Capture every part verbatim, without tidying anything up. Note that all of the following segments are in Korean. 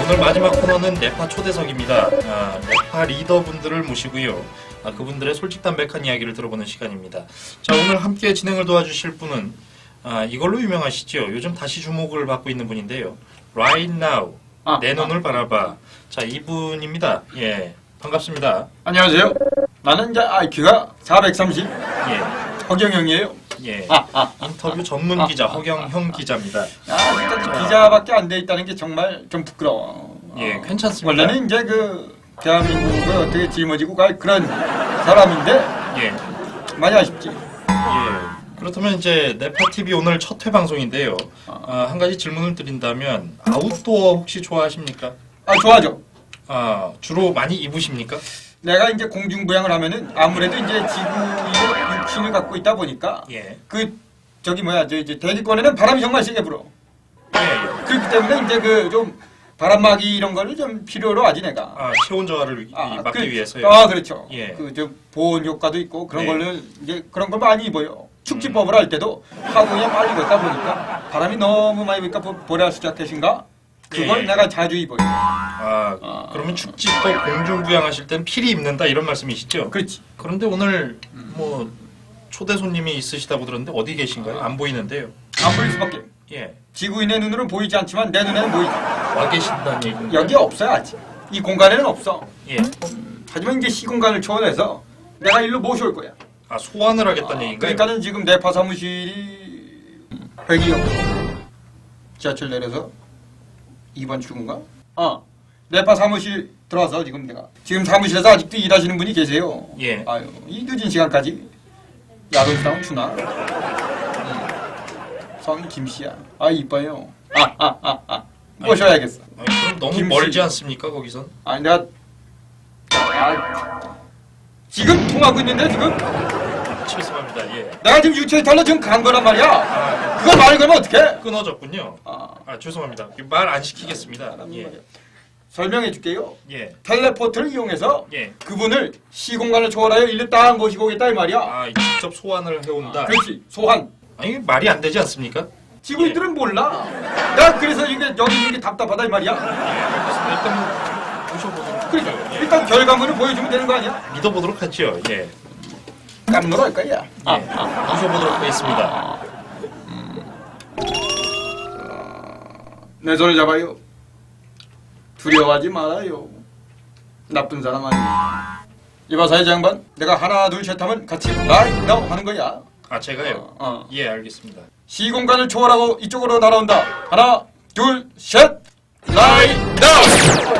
오늘 마지막 코너는 네파 초대석입니다. 아, 네파 리더분들을 모시고요. 아, 그분들의 솔직담백한 이야기를 들어보는 시간입니다. 자, 오늘 함께 진행을 도와주실 분은 아, 이걸로 유명하시죠. 요즘 다시 주목을 받고 있는 분인데요. Right Now, 아, 내 눈을 아. 바라봐. 자, 이분입니다. 예, 반갑습니다. 안녕하세요. 나는 이제 아이큐가 사백삼십 예, 허경영이에요. 예. 아, 아, 인터뷰 전문 기자 허경형 기자입니다. 아, 진짜 기자밖에 안 돼 있다는 게 정말 좀 부끄러워. 예, 어, 괜찮습니다. 원래는 이제 그 대한민국을 어떻게 짊어지고 갈 그런 사람인데 예, 많이 아쉽지. 예. 그렇다면 이제 네파 티비 오늘 첫 회 방송인데요. 아, 한 가지 질문을 드린다면 아웃도어 혹시 좋아하십니까? 아, 좋아죠. 아, 주로 많이 입으십니까? 내가 이제 공중부양을 하면은 아무래도 이제 지구의 육신을 갖고 있다 보니까 예. 그 저기 뭐야 저 이제 대기권에는 바람이 정말 세게 불어. 예, 예. 그렇기 때문에 이제 그 좀 바람막이 이런 거를 좀 필요로 하지 내가. 아, 체온 저하를 아, 막기 그, 위해서요. 아, 그렇죠. 예. 그 저 보온 효과도 있고 그런 네. 걸로 이제 그런 걸 많이 입어요. 축지법을 할 때도 하고 그냥 빨리 걷다 보니까 바람이 너무 많이 부니까 보라스 자켓인가? 그걸 예. 내가 자주 입어요. 아, 아. 그러면 축지법 공중부양하실 땐 필히 입는다 이런 말씀이시죠? 그렇지. 그런데 오늘 뭐 초대 손님이 있으시다고 들었는데 어디 계신가요? 안 보이는데요. 안 보일 수밖에. 예, 지구인의 눈으로는 보이지 않지만 내 눈에는 보이지. 와 계신다는 얘기인데. 여기 없어요 아직. 이 공간에는 없어. 예. 하지만 이제 시공간을 초월해서 내가 일로 모셔올 거야. 아, 소환을 하겠다는 아, 얘기인가요? 그러니까는 지금 내파 사무실이 회기역 지하철 내려서 이 번 출구인가? 어, 내파 사무실 들어와서 지금 내가 지금 사무실에서 아직도 일하시는 분이 계세요. 예. 아유, 이 늦은 시간까지 야근 수당은 주나? 음. 성 김씨야. 아 이뻐요. 아, 아, 아, 아. 모셔야겠어. 아니, 그럼 너무 김씨. 멀지 않습니까 거기선? 아니 내가 아, 지금 통하고 있는데 지금 죄송합니다. 예. 내가 지금 유체이탈로 지금 간 거란 말이야. 아, 그걸 말을 걸면 어떡해? 끊어졌군요. 아, 아, 죄송합니다. 말 안 시키겠습니다. 예. 설명해 줄게요. 예. 텔레포트를 이용해서 예. 그분을 시공간을 초월하여 일로 딱 모시고 오겠다 이 말이야. 아, 직접 소환을 해온다. 그렇지. 소환. 아니, 말이 안 되지 않습니까? 지구인들은 몰라. 내가 그래서 이게 여기 있는 게 답답하다 이 말이야. 알겠습니다. 일단 뭐 모셔보도록 그러니까 하죠. 예. 일단 결과물을 보여주면 되는 거 아니야? 믿어보도록 하죠. 예. 깜놀 할 거야. 예. 모셔보도록 하겠습니다. 내 손을 잡아요. 두려워하지 말아요. 나쁜 사람 아니야. 이봐 사회자 양반, 내가 하나 둘 셋 하면 같이 라이 나우 하는 거야. 아, 제가요? 어, 어. 예, 알겠습니다. 시공간을 초월하고 이쪽으로 날아온다. 하나 둘 셋 라이 나우.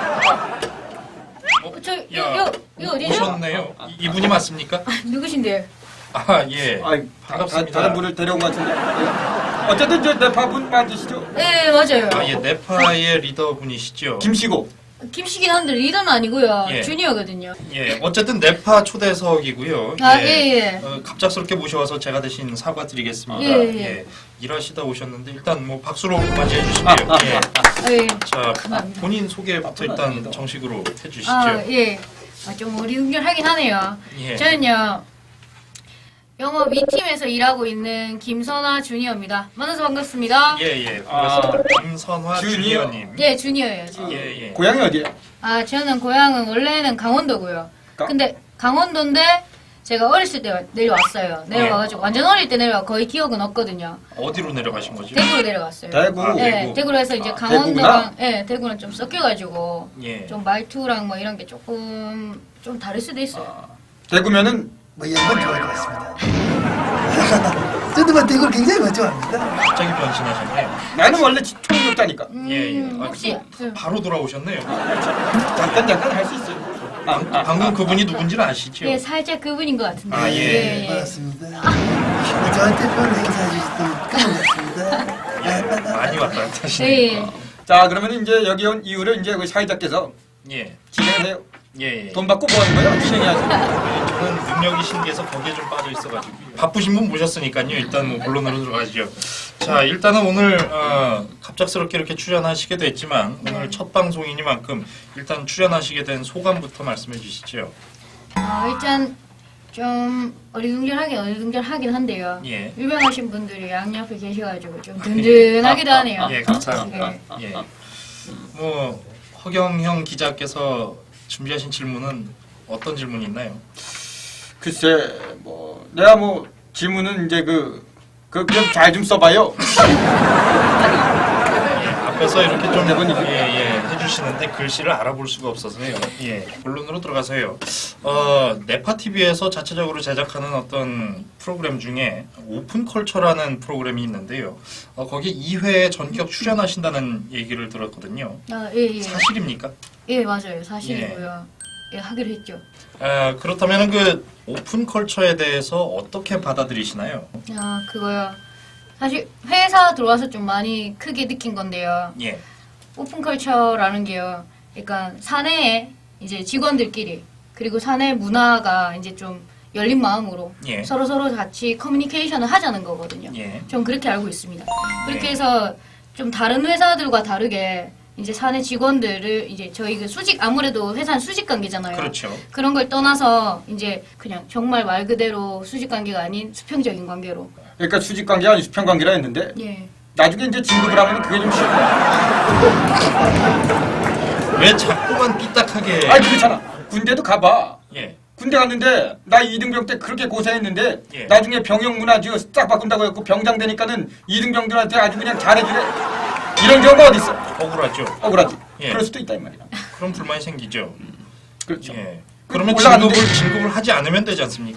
어, 저, 야, 여, 여, 이거 어디죠? 오셨네요. 이, 이분이 맞습니까? 누구신데요? 아, 예. 아이, 반갑습니다. 다, 다른 분을 데려온 것 같은데. 예. 어쨌든 저 네파분 맞으시죠? 네, 맞아요. 아, 예, 네파의 리더분이시죠? 김씨고. 김씨긴 한데 리더는 아니고요. 예. 주니어거든요. 예, 어쨌든 네파 초대석이고요. 아, 예, 예. 어, 갑작스럽게 모셔와서 제가 대신 사과드리겠습니다. 예, 예. 일하시다 오셨는데 일단 뭐 박수로 맞이해 주시고요. 예. 아, 예. 자, 감사합니다. 본인 소개부터 일단 정식으로 해주시죠. 아, 예. 아, 좀 어리둥절하긴 하네요. 예. 저는요, 영업 이 팀에서 일하고 있는 김선화 주니어입니다. 만나서 반갑습니다. 예, 예. 반갑습니다. 김선화 주니어. 주니어님. 예, 주니어예요, 주니어. 예, 예. 고향이 어디야? 아, 저는 고향은 원래는 강원도고요. 가- 근데 강원도인데 제가 어렸을 때 내려왔어요. 내려와가지고 완전 어릴 때 내려와 거의 기억은 없거든요. 어디로 내려가신 거죠? 대구로 내려갔어요. 대구. 아, 네, 대구. 대구로 해서 이제 아, 강원도랑 예, 대구는 좀 섞여가지고 예. 좀 말투랑 뭐 이런 게 조금 좀 다를 수도 있어요. 아, 대구면은 뭐 양반 좋아할 것 같습니다. 저도 뭐 대구를 굉장히 뭐 좋아합니다. 갑자기 변신하셨네요. 나는 원래 총력자니까. 음, 예, 예. 아, 혹시 그, 바로 돌아오셨네요. 잠깐 잠깐 할 수 있어요. 아, 아, 방금 그분이 누군지는 아시죠? 예, 살짝 그분인 것 같은데. 아, 예. 반갑습니다. 저한테 별 행사 주셨던 까먹었습니다. 많이 왔다 갔다 하시네요. 예. 자 그러면 이제 여기 온 이유를 이제 그 사회자께서 예. 진행을 해요. 예, 예. 돈 받고 뭐 하는 거예요? 진행해야죠. 저는 능력이 신기해서 거기에 좀 빠져 있어가지고 바쁘신 분 모셨으니까요. 일단 뭐 본론으로 들어가시죠. 자, 일단은 오늘 어, 갑작스럽게 이렇게 출연하시게 됐지만 오늘 첫 방송이니만큼 일단 출연하시게 된 소감부터 말씀해 주시죠. 어, 일단 좀 어리둥절하긴 어리둥절하긴 한데요. 예. 유명하신 분들이 양옆에 계셔가지고 좀 든든하기도 하네요. 예, 감사합니다. 예. 예. 뭐 허경영 기자께서 준비하신 질문은 어떤 질문이 있나요? 글쎄 뭐 내가 뭐 질문은 이제 그 그 그냥 잘 좀 써봐요. 예, 앞에서 이렇게 좀 대본이 예, 예, 해주시는데 글씨를 알아볼 수가 없어서요. 예, 본론으로 들어가서요. 어, 네파티비에서 자체적으로 제작하는 어떤 프로그램 중에 오픈컬처라는 프로그램이 있는데요. 어, 거기 이 회에 전격 출연하신다는 얘기를 들었거든요. 아, 예, 예. 사실입니까? 예, 맞아요. 사실이고요. 예, 하기로 했죠. 아, 그렇다면 그 오픈컬처에 대해서 어떻게 받아들이시나요? 아, 그거요. 사실 회사 들어와서 좀 많이 크게 느낀 건데요. 예, 오픈컬처라는 게요. 그러니까 사내에 이제 직원들끼리 그리고 사내 문화가 이제 좀 열린 마음으로 예. 서로 서로 같이 커뮤니케이션을 하자는 거거든요. 예. 전 그렇게 알고 있습니다. 그렇게 예. 해서 좀 다른 회사들과 다르게 이제 사내 직원들을 이제 저희 그 수직 아무래도 회사는 수직 관계잖아요. 그렇죠. 그런 걸 떠나서 이제 그냥 정말 말 그대로 수직 관계가 아닌 수평적인 관계로. 그러니까 수직 관계가 아니고 수평 관계라 했는데 예. 나중에 이제 진급을 하면 그게 좀 싫어. 왜 자꾸만 삐딱하게? 아니 그렇잖아. 군대도 가봐. 예. 군대 갔는데 나 이등병 때 그렇게 고생했는데 예. 나중에 병영 문화 지어 싹 바꾼다고 했고 병장 되니까는 이등병들한테 아주 그냥 잘해주래. 이런 경우가 어디 있어? 억울하죠. 억울하지. 예. 그럴 수도 있다 이 말이야. 그럼 불만이 생기죠. 그렇죠. 예. 그러면 올라갔는데- 진급을 진급을 하지 않으면 되지 않습니까?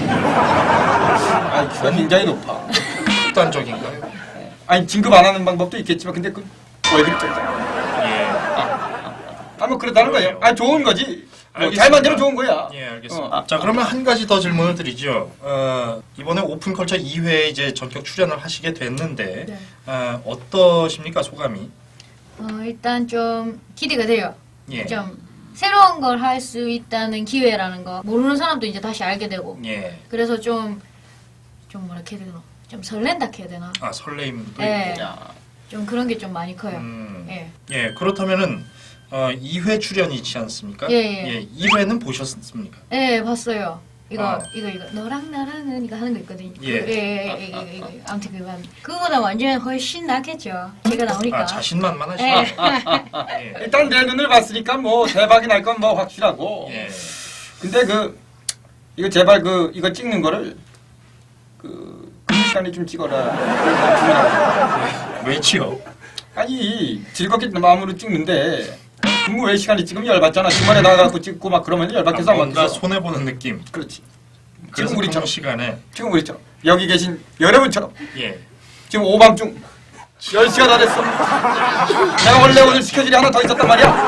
아, 기가 굉장히 높아. 극단적인가요? 아니 진급 안 하는 방법도 있겠지만 근데 그 월급 좀. 예. 아, 뭐 그렇다는 거예요. 아, 좋은 거지. 뭐 알겠습니다. 잘 만들면 좋은 거야. 예, 알겠습니다. 어. 자, 그러면 한 가지 더 질문을 드리죠. 어, 이번에 오픈컬처 이 회에 이제 전격 출연을 하시게 됐는데 네. 어, 어떠십니까 소감이? 어, 일단 좀 기대가 돼요. 예. 좀 새로운 걸 할 수 있다는 기회라는 거 모르는 사람도 이제 다시 알게 되고 예. 그래서 좀 좀 뭐라 해야 되나 좀 설렌다 해야 되나 아 설레임도 예. 있고. 좀 그런 게 좀 많이 커요. 음. 예. 예. 그렇다면은 어, 이 회 출연이지 않습니까? 예, 예. 이 회는 보셨습니까? 예, 봤어요. 이거 아. 이거 이거 너랑 나랑은 이거 하는 거 있거든요. 예. 그, 예, 예, 예, 예, 예. 아무튼 그거 한- 그거보다 완전 훨씬 낫겠죠. 제가 나오니까. 아 자신만만하시네. 예. 예. 일단 내 눈을 봤으니까 뭐 대박이 날 건 뭐 확실하고. 예. 근데 그 이거 제발 그 이거 찍는 거를 그 근무 시간에 좀 찍어라. 왜지요? 아니 즐겁게 마음으로 찍는데 근무 외 시간에 찍으면 열받잖아. 주말에 나가고 찍고 막 그러면 열받게서 아, 안 뭔가 만들어. 손해 보는 느낌. 그렇지. 그래서 지금 우리처럼 근무 시간에 지금 우리처럼 여기 계신 여러분처럼 예. 지금 오밤중 열 시가 다 됐어. 내가 원래 오늘 스케줄이 하나 더 있었단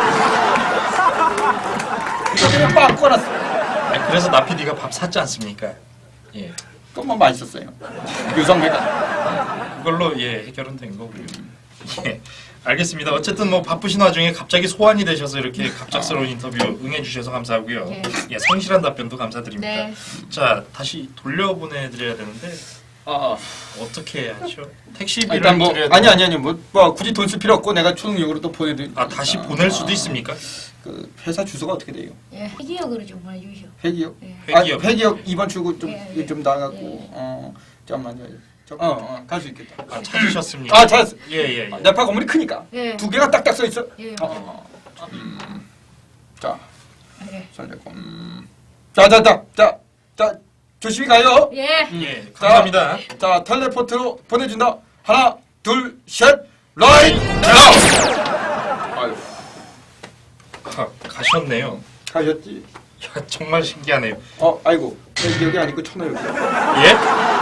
말이야. 이거 그냥 빡 꺼놨어. 아, 그래서 나피디가 밥 샀지 않습니까? 예. 그건 뭐 맛있었어요. 유성배가. 그걸로 예 해결은 된 거고요. 예. 알겠습니다. 어쨌든 뭐 바쁘신 와중에 갑자기 소환이 되셔서 이렇게 갑작스러운 인터뷰 응해주셔서 감사하고요. 예. 예, 성실한 답변도 감사드립니다. 네. 자, 다시 돌려보내드려야 되는데 아, 어떻게 하죠? 택시비를 일단 뭐 드려야 아니 되나? 아니 아니 뭐, 뭐 굳이 돈 쓸 필요 없고 내가 초능력으로 또 보내드. 아 다시 보낼 수도 있습니까? 그 회사 주소가 어떻게 돼요? 예. 기억으로 좀 보내주시오. 회기역. 예. 회기역. 아, 회기역 이번 출구 좀 예, 예. 좀 나가고. 예. 어, 잠깐만요. 저, 어, 어, 갈 수 있겠다. 아 찾으셨습니까? 아, 찾았어. 예예 예. 아, 네파 건물이 크니까 예. 두 개가 딱딱 써 있어. 예. 어, 어. 음. 자, 예. 설레고. 음. 자, 자, 자, 자, 자, 조심히 가요. 예. 예, 감사합니다. 자, 텔레포트로 보내준다. 하나, 둘, 셋, 라이트 나우. 아유, 아, 가셨네요. 가셨지. 야, 정말 신기하네요. 어, 아이고, 여기 아니고 천호역이야. 예?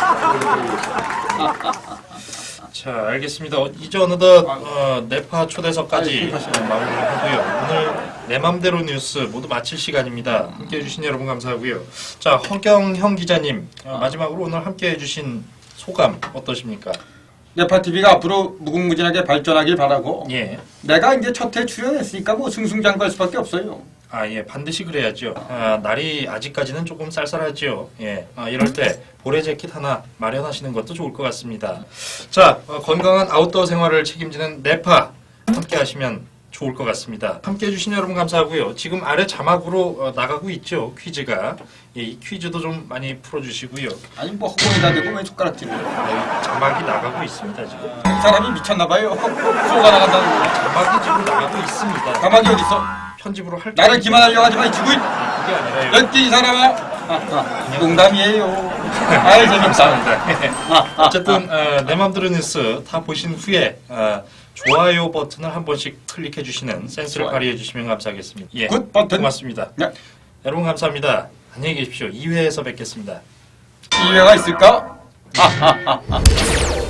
자, 알겠습니다. 어, 이제 어느덧 어, 네파 초대석까지 아이고, 어, 마무리를 하고요. 오늘 내 맘대로 뉴스 모두 마칠 시간입니다. 함께해 주신 여러분 감사하고요. 자, 허경형 기자님 어, 마지막으로 오늘 함께해 주신 소감 어떠십니까? 네파 티비가 앞으로 무궁무진하게 발전하길 바라고. 예. 내가 이제 첫 회 출연했으니까 뭐 승승장구할 수밖에 없어요. 아, 예, 반드시 그래야죠. 아, 날이 아직까지는 조금 쌀쌀하죠. 예, 아, 이럴 때 보레 재킷 하나 마련하시는 것도 좋을 것 같습니다. 자, 어, 건강한 아웃도어 생활을 책임지는 네파 함께 하시면 좋을 것 같습니다. 함께 해주신 여러분 감사하고요. 지금 아래 자막으로 어, 나가고 있죠, 퀴즈가. 예, 이 퀴즈도 좀 많이 풀어주시고요. 아니 뭐 허공에다 대고 왜 손가락질을? 네, 자막이 나가고 있습니다 지금. 이 사람이 미쳤나봐요. 수호가 나간다는 거. 자막이 지금 나가고 있습니다. 가만히 어디 있어? 편집으로 할 나를 기만하려고 하지 마, 이 지구인. 그게 아니라요. 몇 개 이 사람아. 아, 아, 농담이에요. 아이 재밌다. 감사합니다. 어쨌든 어, 내 맘대로 뉴스 다 보신 후에 어, 좋아요 버튼을 한 번씩 클릭해 주시는 센스를 좋아요. 발휘해 주시면 감사하겠습니다. 예, 굿 버튼. 고맙습니다. 네. 여러분 감사합니다. 안녕히 계십시오. 이 회에서 뵙겠습니다. 기회가 있을까? 아, 아, 아, 아.